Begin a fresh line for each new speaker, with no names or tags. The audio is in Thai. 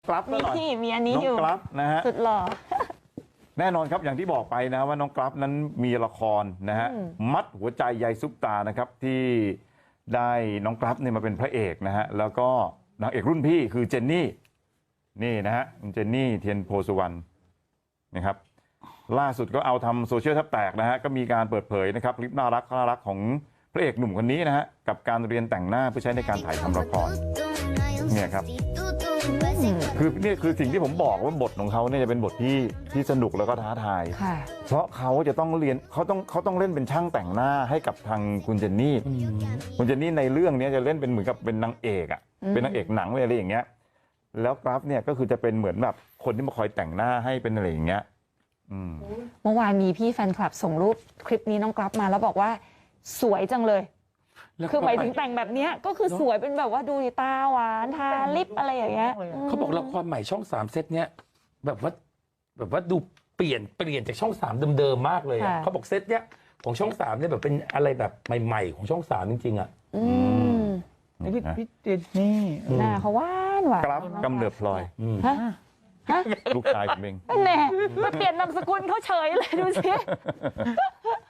กราฟหน่อย
มีอันนี้
น้อง
อยู่
กราฟนะฮะ
สุดหล่อ
แน่นอนครับอย่างที่บอกไปนะว่าน้องกราฟนั้นมีละครนะฮะมัดหัวใจยายซุปตานะครับที่ได้น้องกราฟเนี่ยมาเป็นพระเอกนะฮะแล้วก็นางเอกรุ่นพี่คือเจนนี่นี่นะฮะคุณเจนนี่เทียนโพสุวรรณนะครับล่าสุดก็เอาทำโซเชียลแทบแตกนะฮะก็มีการเปิดเผยนะครับคลิปน่ารักของพระเอกหนุ่มคนนี้นะฮะกับการเรียนแต่งหน้าเพื่อใช้ในการถ่ายทำละครเนี่ยครับคือนี่คือสิ่งที่ผมบอกว่าบทของเขาเนี่ยจะเป็นบทที่สนุกแล้วก็ท้าทาย
ค่ะ
เพราะเขาจะต้องเรียนเขาต้องเล่นเป็นช่างแต่งหน้าให้กับทางคุณเจนนี่คุณเจนนี่ในเรื่องนี้จะเล่นเป็นเหมือนกับเป็นนางเอกอ่ะเป็นนางเอกหนังอะไรอย่างเงี้ยแล้วกราฟเนี่ยก็คือจะเป็นเหมือนแบบคนที่มาคอยแต่งหน้าให้เป็นอะไรอย่างเงี้ย
เมื่อวานมีพี่แฟนคลับส่งรูปคลิปนี้น้องกราฟมาแล้วบอกว่าสวยจังเลยคือหมายถึงแต่งแบบเนี้ยก็คือสวยเป็นแบบว่าดูตาหวานทาลิปอะไรอย่างเงี้ย
เขาบอกละครใหม่ช่อง3เซตเนี้ยแบบว่าดูเปลี่ยนจากช่อง3เดิมๆมากเลยเขาบอกเซตเนี้ยของช่อง3เนี่ยแบบเป็นอะไรแบบใหม่ๆของช่อง3จริงๆอ่ะ
พี่เจนนี่
หน้าเขาหวาน
กราฟกำเนิดพลอย
ฮะ
ลูกชายผมเอง
แน่มาเปลี่ยนนามสกุลเขาเฉยเลยดูสิ